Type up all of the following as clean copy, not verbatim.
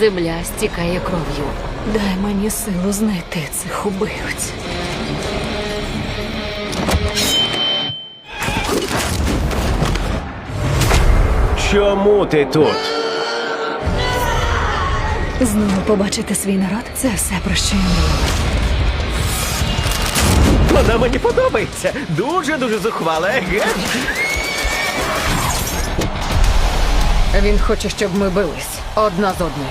Земля стікає кров'ю. Дай мені силу знайти цих убивць. Чому ти тут? Знову побачити свій народ – це все, про що я мріяла. Вона мені подобається. Дуже-дуже зухвала, еге? Він хоче, щоб ми бились одна з одною.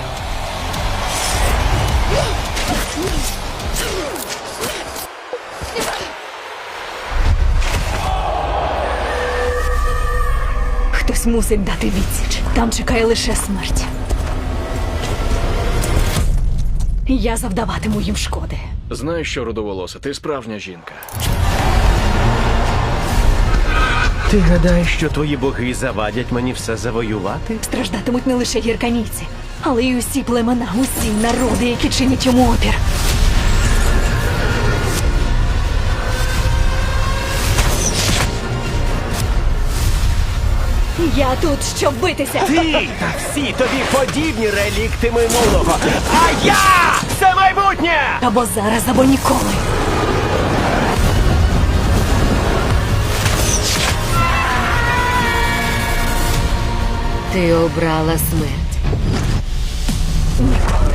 Хтось мусить дати відсіч. Там чекає лише смерть. Я завдаватиму їм шкоди. Знаєш що, рудоволоса, ти справжня жінка. Ти гадаєш, що твої боги завадять мені все завоювати? Страждатимуть не лише гірканійці, але й усі племена, усі народи, які чинять йому опір. Я тут, щоб битися. Ти та всі тобі подібні релікти минулого. А я – це майбутнє! Або зараз, або ніколи. Ти обрала смерть. Ніколи.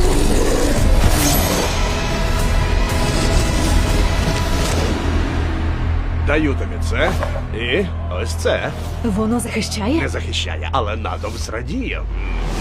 Даю тобі це і ось це. Воно захищає? Не захищає, але натовп зрадіє.